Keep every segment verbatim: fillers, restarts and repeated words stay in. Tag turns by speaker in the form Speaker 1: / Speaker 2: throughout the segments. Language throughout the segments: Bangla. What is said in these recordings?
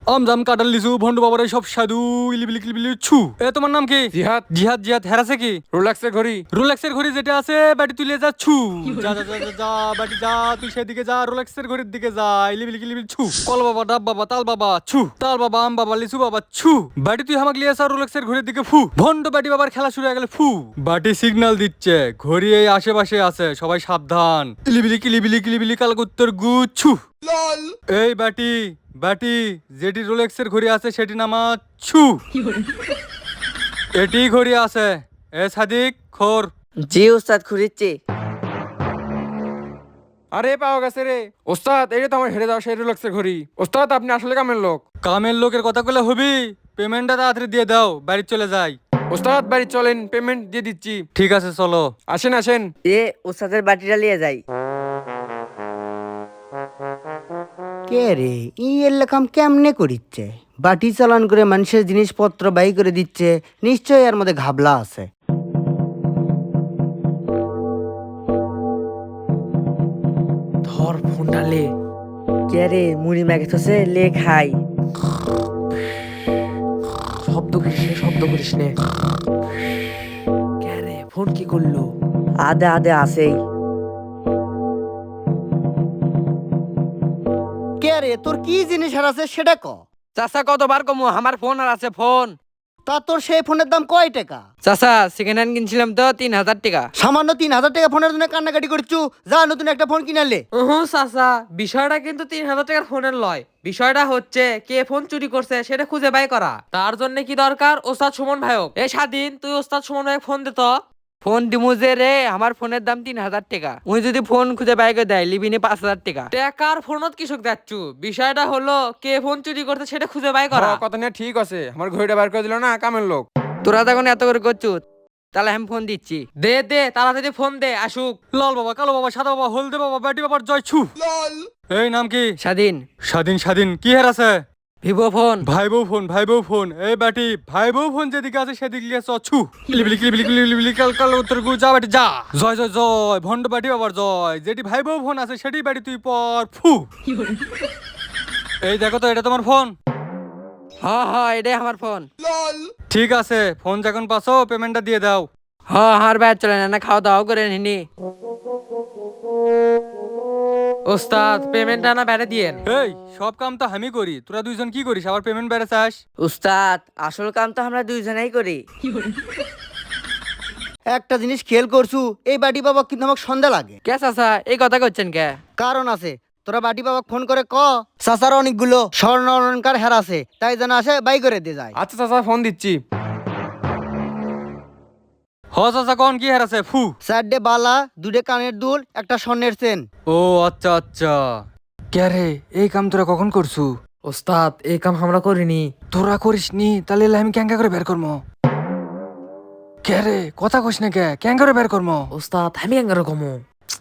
Speaker 1: আম জাম কাঁঠাল লিচু ভন্ডু বাবার সব সাধু ইলিবিলি কিলিবিলি ছু। এ তোমার নাম কি?
Speaker 2: জিহাদ।
Speaker 1: জিহাদ জিহাদ হেরাছে কি?
Speaker 2: রোলেক্সের ঘড়ি।
Speaker 1: রোলেক্সের ঘড়ি যেটা আছে বাটি তুলে যা ছু। যা যা যা যা যা বাটি যা তুই সেদিকে যা রোলেক্সের ঘড়ির দিকে যা ইলিবিলি কিলিবিলি ছু। কল বাবা ডাব বাবা তাল বাবা ছু। তাল বাবা আম বাবা লিচু বাবা ছু। বাটি তুই আমাকে লিয়ে আসা রোলেক্সের ঘড়ির দিকে ফু। ভন্ড বাটি বাবার খেলা শুরু হয়ে গেলে ফু। বাটি সিগন্যাল দিচ্ছে ঘড়ি এই আশেপাশে আছে সবাই সাবধান। ইলিবিলি কিলিবিলি কিলিবিলি কালকুত্তর গু ছু। এই বাটি বাটি যেটি রোলেক্সের ঘড়ি আছে সেটি নামা ছু। এটি ঘড়ি আছে এ সাদিক খোর।
Speaker 3: জি উস্তাদ খুঁড়িচ্ছি।
Speaker 2: আরে পাওয়া গেছে রে ওস্তাদ, এই তো আমার হেরে যাওয়া সেই রোলেক্সের ঘড়ি। ওস্তাদ আপনি আসলে কামের লোক।
Speaker 1: কামের লোকের কথা কলে হবি? পেমেন্টটা তাড়াতাড়ি দিয়ে দাও বাড়ি চলে যাই।
Speaker 2: ওস্তাদ বাড়ি চলেন, পেমেন্ট দিয়ে দিচ্ছি।
Speaker 1: ঠিক আছে চলো।
Speaker 2: আসেন আসেন।
Speaker 3: এ উস্তাদের বাটিটা নিয়ে যাই।
Speaker 4: কে রে ই এরকম কেমনে করিচ্ছে? বাটি চালান করে মানুষের জিনিসপত্র বাই করে দিচ্ছে, নিশ্চয়ই এর মধ্যে ঘাবলা আছে।
Speaker 3: ধর ফোনটা লে। কে রে মুড়ি মাগেছে লে খাই। শব্দ করিস নে, শব্দ করিস নে। কে রে ফোন কি করলো? আদে আদে আসেই।
Speaker 4: কে রে তোর কি জিনিস হারাছে সেটা ক।
Speaker 3: চাচা কতবার কমু আমার ফোন আর আছে ফোন।
Speaker 4: তা তোর সেই ফোনের দাম কয় টাকা?
Speaker 3: চাচা সেকেন্ড হ্যান্ড কিনছিলাম তো তিন হাজার টাকা।
Speaker 4: সামান্য তিন হাজার টাকা ফোনের জন্য কান্নাকাটি করছু, যা নতুন একটা ফোন কিনালে।
Speaker 5: হুম চাচা, বিষয়টা কিন্তু তিন হাজার টাকার ফোনের লয়। বিষয়টা হচ্ছে কে ফোন চুরি করছে সেটা খুঁজে বাই করা। তার জন্য কি দরকার? ওস্তাদ সুমন ভাইক। এ স্বাধীন, তুই ওস্তাদ সুমন ভাইক ফোন দে তো।
Speaker 3: ফোন দিমু যে রে, আমার ফোনের দাম তিন হাজার টাকা। উনি যদি ফোন খুঁজে বাই করে দেয় লিবিনি পাঁচ হাজার টাকা।
Speaker 5: টাকার ফোনত কৃষক যাচ্ছু, বিষয়টা হলো কে ফোন চুরি করছে সেটা খুঁজে বাই করা।
Speaker 2: হ, কথা নিয়ে ঠিক আছে, আমার ঘড়িটা বার করে দিল না কামের লোক।
Speaker 3: তোরা তখন এত করে করছু, তাহলে আমি ফোন দিচ্ছি।
Speaker 5: দে দে তাড়াতাড়ি ফোন দে আসুক।
Speaker 1: লাল বাবা কালো বাবা সাদা বাবা হলদে বাবা বাটি বাবার জয় ছু। এই নাম কি?
Speaker 3: স্বাধীন।
Speaker 1: স্বাধীন স্বাধীন কি হেরাছে?
Speaker 3: Vivo phone.
Speaker 1: ভাই বউ ফোন ভাই বউ ফোন। এই বাটি ভাই বউ ফোন যেদিকে আছে সেদিকে লিয়ে ছু। কিলিবিলি কিলিবিলি কিলিবিলি কাল কাল উত্তর গু যা বাটি যা। জয় জয় জয় ভন্ড বাটি বাবার জয়। যেটি ভাই বউ ফোন আছে সেটি বাটি তুই পর ফু। এই দেখো তো এটা তোমার ফোন।
Speaker 3: হ হ এটাই আমার ফোন।
Speaker 1: ঠিক আছে ফোন যখন পাছো পেমেন্টটা দিয়ে দাও।
Speaker 3: হ আমার বাইর চলে না, খাওয়া দাওয়া করে নিনি।
Speaker 5: ওস্তাদ পেমেন্টটা না বেড়ে দিয়েন।
Speaker 1: এই সব কাম তো আমি করি, তোরা দুইজন কি করিস আবার পেমেন্ট বেড়ে চাস?
Speaker 3: উস্তাদ আসল কাম তো আমরা দুইজনেই করি।
Speaker 4: একটা জিনিস খেয়াল করছু, এই বাটি বাবা কিন্তু আমাকে সন্ধ্যা লাগে।
Speaker 3: কে চাচা এই কথা করছেন কে?
Speaker 4: কারণ আছে, তোরা বাটি বাবা ফোন করে ক চাচার অনেকগুলো স্বর্ণ অলঙ্কার হেরাছে, তাই যেন আসে বাই করে দিয়ে যায়।
Speaker 2: আচ্ছা চাচা ফোন দিচ্ছি।
Speaker 1: হ চাচা কোন কি হারাছে ফু।
Speaker 4: চারটে বালা, দুটে কানের দুল, একটা স্বর্ণের চেন।
Speaker 1: ও আচ্ছা আচ্ছা। কে রে এই কাম তোরা কখন করছু?
Speaker 5: ওস্তাদ এই কাম আমরা করিনি।
Speaker 1: তোরা করিস নি তাহলে এলে আমি ক্যাঙ্কা করে বের করবো। কে রে কথা কইস না কে, ক্যাঙ্কা করে বের করবো।
Speaker 5: ওস্তাদ আমি এঙ্গারো কমু।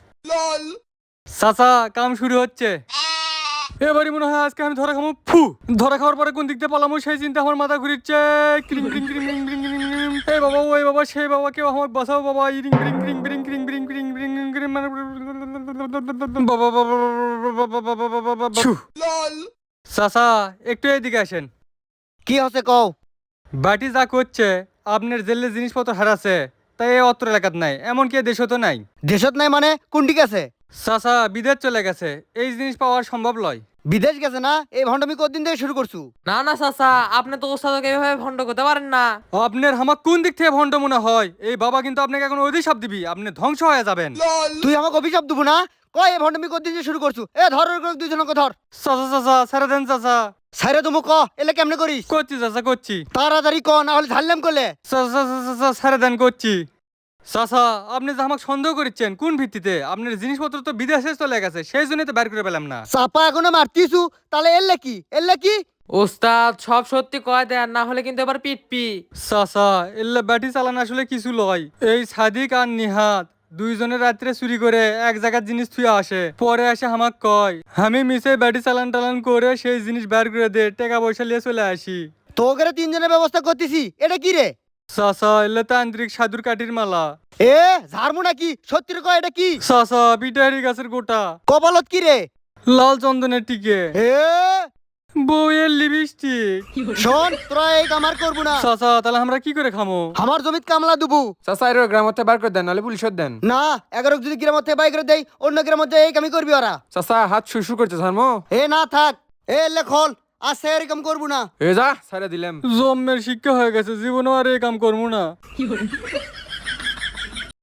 Speaker 1: চাচা কাম শুরু হচ্ছে। এবারই মনে হয় আজকে আমি ধরা খাবো ফু। ধরা খাওয়ার পরে কোন দিক দিয়ে পালামো সেই চিন্তা আমার মাথা ঘুরিচ্ছে। ক্রিং ক্রিং ক্রিং ক্রিং ক্রিং ক্রিং ক্রিং। এই বাবা ওই বাবা সেই বাবা কেউ আমাকে বাঁচাও বাবা। ইরিং ক্রিং ক্রিং ক্রিং ক্রিং ক্রিং ক্রিং ক্রিং ক্রিং মানে বাবা বাবা ছু। চাচা একটু এদিকে আসেন।
Speaker 4: কি হচ্ছে কও?
Speaker 1: বাটি যা করছে আপনার জেলে জিনিসপত্র হারাছে, তাই এই অত্র এলাকাত নাই, এমনকি দেশও তো নাই।
Speaker 4: দেশত নাই মানে কোন ঠিক আছে?
Speaker 1: চাচা বিদেশ চলে গেছে, এই জিনিস পাওয়া সম্ভব নয়।
Speaker 4: বিদেশ গেছে না? এই ভণ্ডামি কতদিন থেকে শুরু করছু?
Speaker 5: না না চাচা, আপনি তো ওস্তাদকে এভাবে ভণ্ড করতে পারেন না।
Speaker 1: আপনার হামাক কোন দিক থেকে ভণ্ড মনে হয়? এই বাবা কিন্তু আপনাকে এখন অভিশাপ দিবি, আপনি ধ্বংস হয়ে যাবেন।
Speaker 4: তুই আমাকে অভিশাপ দেবো না? কয় এই ভণ্ডামি কতদিন থেকে শুরু করছু? এ ধর দুইজনকে ধর।
Speaker 1: চাচা চাচা ছেড়ে দেন চাচা।
Speaker 4: সাইরে তুমি ক এলে কেমনে করিস?
Speaker 1: করছি চাচা করছি।
Speaker 4: তাড়াতাড়ি ক, না হলে ঝাড়লাম করলে।
Speaker 1: চাচা চাচা ছেড়ে দেন করছি। চাচা আপনি যে আমাকে সন্দেহ করছেন কোন ভিত্তিতে? আপনার জিনিসপত্র তো বিদেশে চলে গেছে, সেই জন্যই তো বের করে পেলাম না।
Speaker 4: চাপা এখনো মারতিছু, তাহলে এলে কি এলে কি?
Speaker 5: ওস্তাদ সব সত্যি কয় দেন, না হলে কিন্তু এবার পিটপি।
Speaker 1: চাচা এল্লা ব্যাটি চালান আসলে কিছু লয়। এই সাদিক আর নিহাত দুইজনের রাত্রে চুরি করে এক জায়গার জিনিস থুয়ে আসে, পরে আসে আমাক কয় আমি মিশে ব্যাটি চালান টালান করে সেই জিনিস বের করে দে, টাকা পয়সা নিয়ে চলে আসি।
Speaker 4: তোকে তিনজনের ব্যবস্থা করতেছি, এটা কি রে?
Speaker 1: চাচা এলে তান্ত্রিক সাধুর কাঠির মালা।
Speaker 4: এ ঝাড়মু নাকি? সত্যি রে কয় এটা কি?
Speaker 1: চাচা পিটারি গাছের গোটা।
Speaker 4: কপালত কি রে?
Speaker 1: লাল চন্দনের টিকে।
Speaker 4: এ
Speaker 1: বউয়ের লিপস্টিক।
Speaker 4: শোন তোরা এই কাম আর করবো না।
Speaker 1: চাচা তাহলে আমরা কি করে খামো?
Speaker 4: আমার জমিত কামলা দুবু
Speaker 2: চাচা এর গ্রাম থেকে বার করে দেন নাহলে পুলিশত দেন।
Speaker 4: না, এগারো যদি গ্রাম থেকে বাই করে দেয় অন্য গ্রাম মধ্যে এই কামই করবি ওরা।
Speaker 2: চাচা হাত শুশু করছে ধর্ম।
Speaker 4: এ না থাক, এ লেখল আছে এরকম করবো না।
Speaker 2: এ যা ছাড়া দিলাম।
Speaker 1: জন্মের শিক্ষা হয়ে গেছে, জীবনে আর এই কাম করবো না।